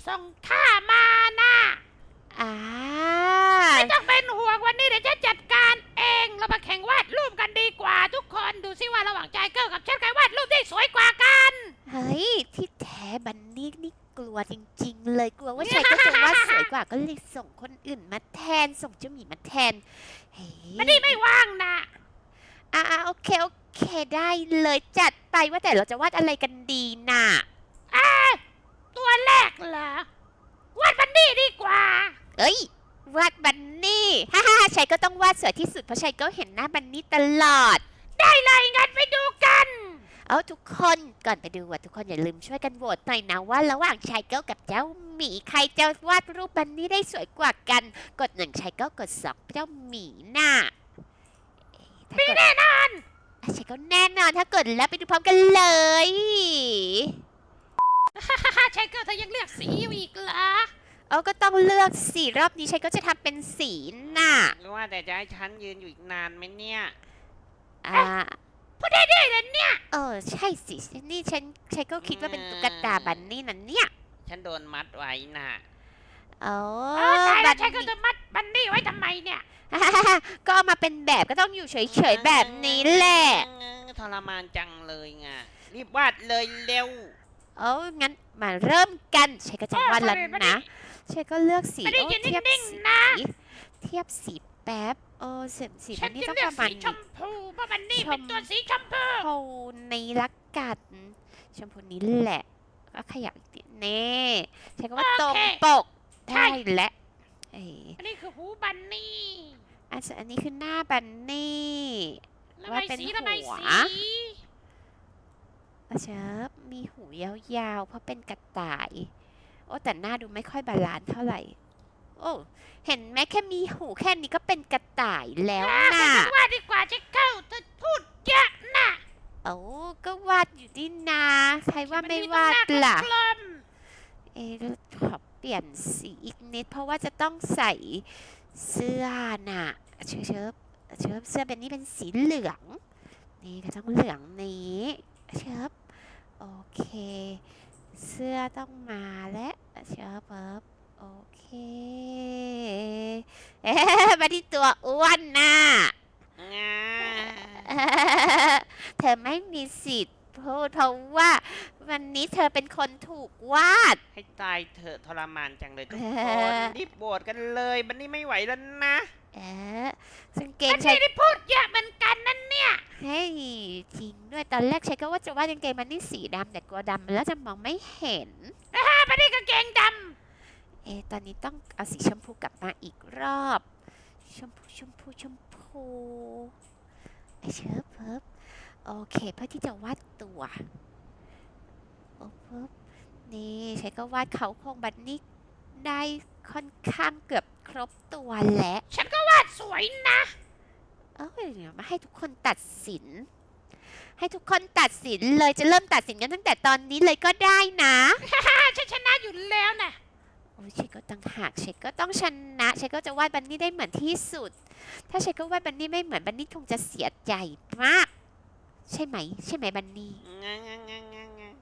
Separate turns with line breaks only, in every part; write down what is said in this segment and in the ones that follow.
ส่งท่ามานะ
อ่า
ไม่ต้องเป็นห่วงวันนี้เดี๋ยวฉันจัดการเองเรามาแข่งวาดรูปกันดีกว่าทุกคนดูซิว่าระหว่างใจเกิลกับฉันใครวาดรูปได้สวยกว่ากัน
เฮ้ยที่แท้บันนี่นี่กลัวจริงๆเลยกลัวว่าชัยก็จะวาดสวยกว่าก็เลยส่งคนอื่นมาแทนส่งเจ้าหมีมาแทนเฮ้ย
บันนี่ไม่ว่างนะ
โอเคโอเคได้เลยจัดไปว่าแต่เราจะวาดอะไรกันดีน่ะ
ตัวแรกเหรอวาดบันนี่ดีกว่า
เอ้ยวาดบันนี่ฮ่าฮ่าชัยก็ต้องวาดสวยที่สุดเพราะชัยก็เห็นหน้าบันนี่ตลอด
ได้เลยงั้นไปดูกัน
เอาทุกคนก่อนไปดูทุกคนอย่าลืมช่วยกันโหวตหน่อยนะว่าระหว่างชายเก้ากับเจ้าหมีใครจะวาดรูปบันนี่ได้สวยกว่ากันกด1ชายเก้ากด2เจ้าหมีน่ะถ้ากด
แน่นอน
ชายเก้าแน่นอนถ้ากดแล้วไปดูพร้อมกันเลย
ชายเกิลเธอยังเลือกสีอยู่อีกเหรอ
เอาก็ต้องเลือกสีรอบนี้ชายก็จะทำเป็นสีน่ะ
หรือว่าแต่จะให้ฉันยืนอยู่อีกนานไหมเนี่ย
อ่า
พูดได้เลยเนี่ย
ใช่สินี่ฉันก็คิดว่าเป็นตุ๊กตาบันนี่นั่นเนี่ย
ฉันโดนมัดไว้น่ะ
โอ้
ตายแล้ว
น
ชายเกิลจะมัดบันนี่ไว้ทำไมเนี่ย
ก็เอามาเป็นแบบก็ต้องอยู่เฉยๆแบบนี้แหละ
ทรมานจังเลยไงรีบวาดเลยเร็ว
งั้นมาเริ่มกันชัยก็จะวาดแล้วนะชัยก็เลือกสี
บันนี่ยืน
เทียบ
นิ่ง
สี
ๆนะ
เทียบสีแป๊บสี
ฉั
มัน นนี่
จะ
ต้อง
เลื
ป
อก
ระมาณ
สีชมพูเพราะบันนี่เป็นตัวสีชมพู
โทนในลักกัดชมพูนี้แหละก็ขยับอีกนิดเน่ชัยก็ว่าตรงปกได้และ
อันนี้คือหูบันนี่
อันนี้คือหน้าบันนี่
ระบายสีระบายสี
เชิบมีหูยาวๆเพราะเป็นกระต่าย แต่หน้าดูไม่ค่อยบาลานซ์เท่าไหร่ เห็นไหมแค่มีหูแค่นี้ก็เป็นกระต่ายแล้วน่ะ
วาดดีกว่าชายเกิลเธอพูดเยอะนะ
ก็วาดอยู่นี่นาใครว่าไม่วาดล่ะ
กลม
ขอเปลี่ยนสีอีกนิดเพราะว่าจะต้องใส่เสื้อน่ะเชิบเสื้อเป็นนี่เป็นสีเหลือง นี่ก็ต้องเหลืองนี้เชิบโอเค เสื้อต้องมาและเชิบโอเคมาที่ตัวอ้วนน่ะ
งา
เธอไม่มีสิทธิ์พูดเพราะว่าวันนี้เธอเป็นคนถูกวาด
ให้ตายเถอะทรมานจังเลยทุกคนรีบโบดกันเลยบันนี่ไม่ไหวแล้วนะ
ซึ่งเก
ๆ
ง
บัน
ใช้
นี่ได้พูดเยอะเหมือนกันนั่นเนี่ย
เฮ้ยจริงด้วยตอนแรกใช้ก็ว่าจะวาดกางเกงมันนี่สีดำแต่กลัวดำแล้วจะมองไม่เห็น
บันนี่กางเกงด
ตอนนี้ต้องเอาสีชมพูกลับมาอีกรอบชมพูเชิบโอเคเพื่อที่จะวาดตัวนี่ใช้ก็วาดเขาโครงบันนี่ได้ค่อนข้างเกือบครบตัวแล้ว
ำฉันก็วาดสวยนะ
เดี๋ยวมาให้ทุกคนตัดสิน ให้ทุกคนตัดสินเลยจะเริ่มตัดสินกันตั้งแต่ตอนนี้เลยก็ได้นะ
ฉันชนะอยู่แล้วนะ
เชคก็ตั้งหากเชคก็ต้องชนะเชคก็จะวาดบันนี่ได้เหมือนที่สุด ถ้าเชคก็วาดบันนี่ไม่เหมือนบันนี่คงจะเสียใจมาก ใช่ไหมบันนี่
งางางางางา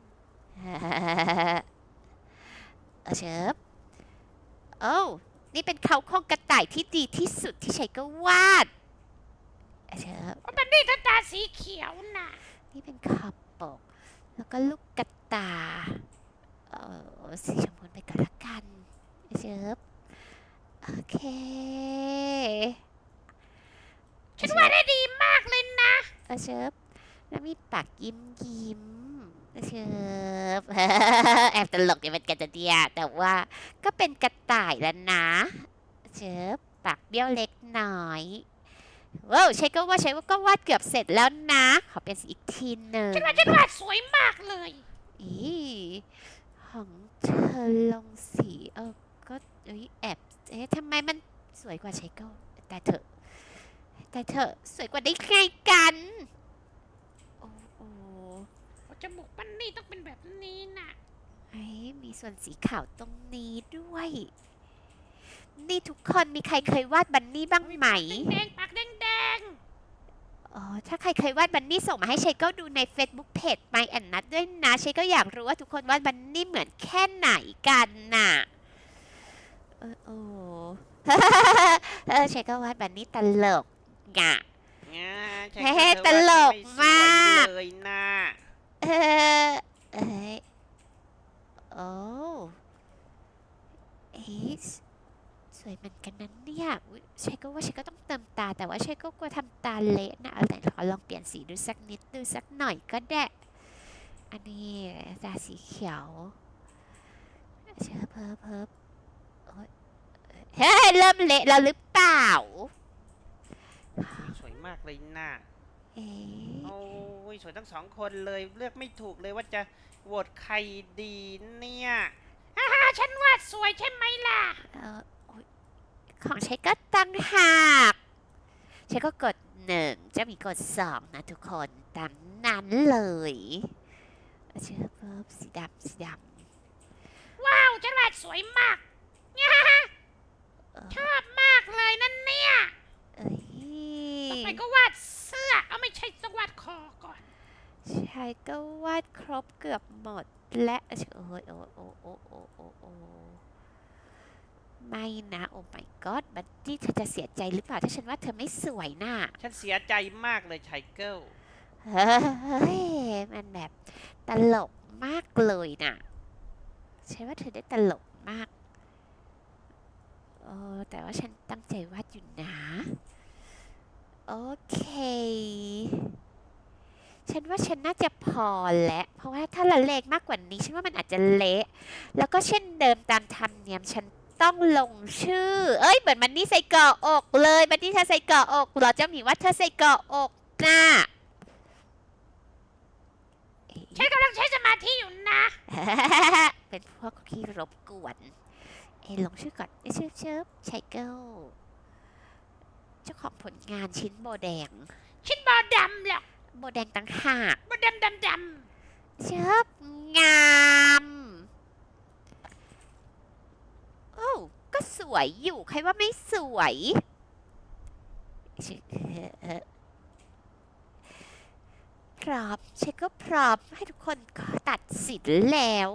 เชิบนี่เป็นเขาโครงกระต่ายที่ดีที่สุดที่เชคก็วาดเชิบ
บันนี่เธอตาสีเขียวนะ
นี่เป็นขอบปก แล้วก็ลูกกระตาสีชมพูไปก่อนละกันเชิบโอเค
ฉันวาดได้ดีมากเลยนะ
เชิบแล้วมีปากยิ้มเชิบ แอบตลกอยู่เป็นกันจะเดียแต่ว่าก็เป็นกระต่ายแล้วนะเชิบปากเบี้ยวเล็กน้อยว้าวใช่ว่าก็วาดเกือบเสร็จแล้วนะขอเป็นสีอีกทีหนึ่ง
ฉันวาดสวยมากเลย
ของเธอลงสีก็แอบทำไมมันสวยกว่าเชโก้แต่เธอสวยกว่าได้ไงกัน
จมูกบันนี่ต้องเป็นแบบนี้นะ
มีส่วนสีขาวตรงนี้ด้วย นี่ทุกคนมีใครเคยวาดบันนี่บ้างไหม
แดงปากแดง
อ๋อถ้าใครเคยวาดบันนี่ส่งมาให้เชยก็ดูใน Facebook Page My and Nut ด้วยนะเชยก็อยากรู้ว่าทุกคนวาดบันนี่เหมือนแค่ไหนกันน่ะโอ้ เชยก็วาดบันนี่ตลกอ่ะ
ใช่
เฮ้
เธอ
ตลก
วาดไม่สวย
มาก
เลยนะ
เออเอ้ยโอ้เอ๊ะสวยเหมือนกันนั้นเนี่ยอุ๊ยเชยก็ว่าเชยก็ต้องเติมตาแต่ว่าเชยก็กลัวทำตาเละนะเอาแต่ขอลองเปลี่ยนสีดูสักนิดดูสักหน่อยก็ได้อันนี้ตาสีเขียวเชยเพิ่มโอ๊ยเฮ้ยเริ่มเละแล้วหรือเปล่า
สวยมากเลยนะ
เอ๊ะ
โอ้ยสวยทั้งสองคนเลยเลือกไม่ถูกเลยว่าจะโหวตใครดีเนี่ย
ฉันวาดสวยใช่ไหมล่ะ
โอ๊ยของใช้ก็ตั้งหากใช้ก็กด1จะมีกด2นะทุกคนตามนั้นเลยเชื่อเพิ่มสีดำสีดำ
ว้าวฉันวาดสวยมาก ชอบมากเลยนั่นเนี่ย
เอ้ย
ต่อไปก็วาดเสื้อเอาไม่ใช่ต้องวาดคอก่อน
ใช้ก็วาดครบเกือบหมดและโอ้ยโอ้ไม่นะโอ้ my god บัดดี้เธอจะเสียใจหรือเปล่าถ้าฉันว่าเธอไม่สวยน่ะ
ฉันเสียใจมากเลยไชเกิล
เฮ้ย มันแบบตลกมากเลยน่ะใช่ว่าเธอได้ตลกมากแต่ว่าฉันตั้งใจวาดอยู่นะ โอเค ฉันว่าฉันน่าจะพอแล้วเพราะว่าถ้าละเลงมากกว่านี้ ฉันว่ามันอาจจะเละ แล้วก็เช่นเดิมตามธรรมเนียมฉันต้องลงชื่อ เอ้ย เหมือนมันนี่ใส่เกาะอกเลยมันนี่เธอใส่เกาะอกเหรอเจ้าหมีว่าเธอใส่เกาะอกน่ะ
ฉันกำลังใช้สมาธิอยู่นะ
เป็นพวกที่รบกวนลงชื่อก่อนเชิบไชเกิลเจ้าของผลงานชิ้นโบแดง
ชินบอดำหรอก
โบแดงต่างหาก
บอดำ
เชิบงามโอ้ก็สวยอยู่ใครว่าไม่สวยพร้อมเช็คก็พร้อมให้ทุกคนตัดสินแล้ว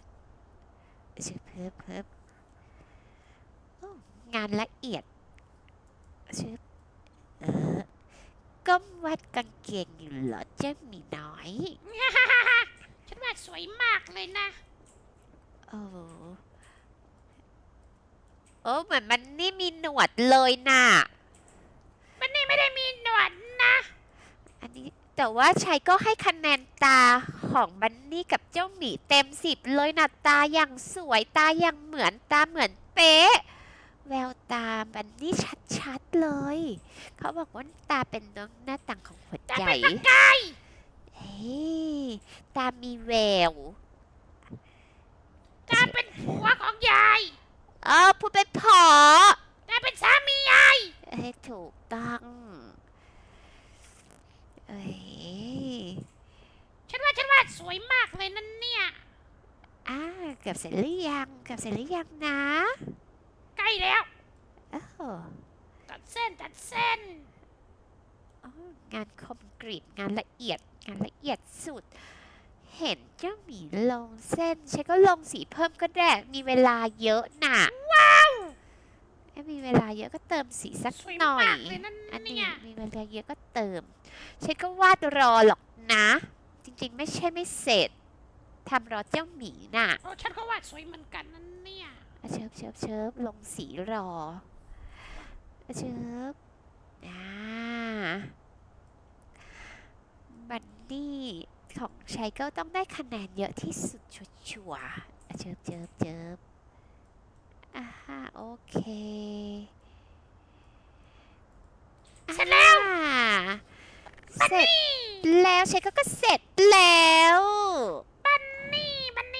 เพิ่มงานละเอียดชื่อก้มวัดกางเกงอยู่เหรอเจ้าหมีน้อย
ฉันวาดสวยมากเลยนะ
โอ้เหมือนมันนี่มีหนวดเลยน่ะ
มันนี่ไม่ได้มีหนวดนะ
อันนี้แต่ว่าชัยก็ให้คะแนนตาของบันนี่กับเจ้าหมีเต็ม10เลยนะตาอย่างสวยตาอย่างเหมือนตาเหมือนเป๊ะแววตาบันนี่ชัดๆเลย เขาบอกว่าตาเป็นดวงหน้าต่างของหัว
ตา
ใจ
เป็นประกาย
เฮ้ยตามีแวว
ตาเป็นผัวของยาย
พูดเป็นพอ
ตาเป็นสามียาย
ให้ถูกต้องเอ้ย
ฉันวาดสวยมากเลยนั่นเนี่ย
เกือบเสร็จหรือยังเกือบเสร็จหรือยังนะ
ใกล้แล้ว
โอ้โห
ตัดเส้น
งานคมกริบงานละเอียดสุด เห็นเจ้าหมีลงเส้นฉันก็ลงสีเพิ่มก็ได้มีเวลาเยอะน่ะว้าวมีเวลาเยอะก็เติมสีสัก
สวย
หน่อย
มากเลยนั่น
อันนี้
เนี่ย
มีเวลาเยอะก็เติมฉันก็วาดรอหรอกนะ จริงๆไม่ใช่ไม่เสร็จทำรอเจ้าหมีน่ะ
โอ้ฉันก็วาดสวยเหมือนกันนั่นเนี่ย
เชิบลงสีรอเชิบบันนี่ของชัยก็ต้องได้คะแนนเยอะที่สุดชัวร์ๆเชิบโอเค
เสร็จแล้ว
เสร็จแล้วชัยก็เสร็จแล้ว
บันนี่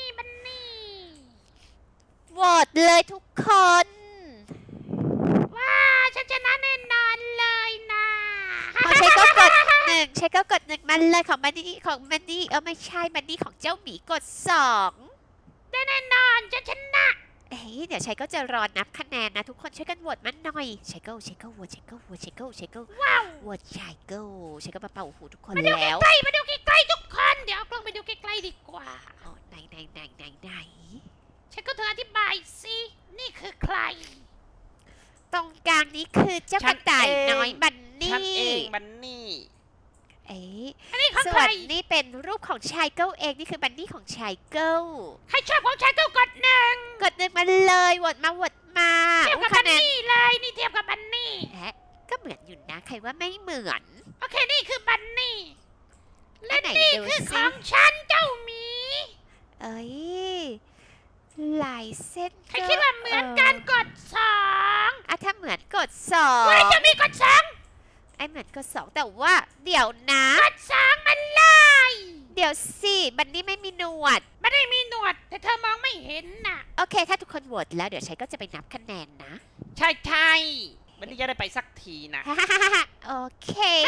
โหวตเลยทุกคน
ว้าฉันชนะแน่นอนเลยนะ
ของชัยก็กด1ชัยก็กด1มันเลยของบันนี่ไม่ใช่บันนี่ของเจ้าหมีกด2
ได้แน่นอนฉันชนะ
เอ้ยเดี๋ยวชัยก็จะรอนับคะแนนนะทุกคนช่วยกันโหวตมันหน่อยชัยก็โหวตชัยก็โหวตชัยก็
ว้าว
โหวตชัยก็มาเป่าหูทุกคน
มาดู
แล้ว
ใกล้ๆมาดูใกล้ๆทุกคนเดี๋ยวเอากล้องไปดูใกล้ๆดีกว่า
อ๋อไหน
ฉันก็เธออธิบายสินี่คือใคร
ตรงกลางนี้คือเจ้ากระต่ายน้อยบันนี่
ฉันเองบันนี่
เอ๊ะ
อันนี้ของ
ส่
ใค
ว
ร
นนี่เป็นรูปของชายเกิลเองนี่คือบันนี่ของชายเกิล
ใครชอบของฉันก็กดหนึ่ง
กดหนึ่งมาเลยโหวตมา
เทียบกับ
คะ
บัน
แนน
นี่เลยนี่เทียบกับบันนี่
แอะก็เหมือนอยู่นะใครว่าไม่เหมือน
โอเคนี่คือบันนี่และ
อันไหน
นี่
ดู
คือ
สิ
ของฉันเจ้าหมี
เอ้ยลายเส้น
ใครคิดว่าเหมือนกันกดสอง
อ่ะถ้าเหมือนกดสอง
เว้ยจะมีกดสอง
ไอเหมือนกดสองแต่ว่าเดี๋ยวนะ
กดสองมันเลย
เดี๋ยวสิบันนี่ไม่มีหนวด
ไม่ได้มีหนวดแต่เธอมองไม่เห็นน่ะ
โอเค ถ้าทุกคนโหวตแล้วเดี๋ยวชัยก็จะไปนับคะแนนนะ
ใช่บันนี่จะได้ไปสักทีนะ
โอเค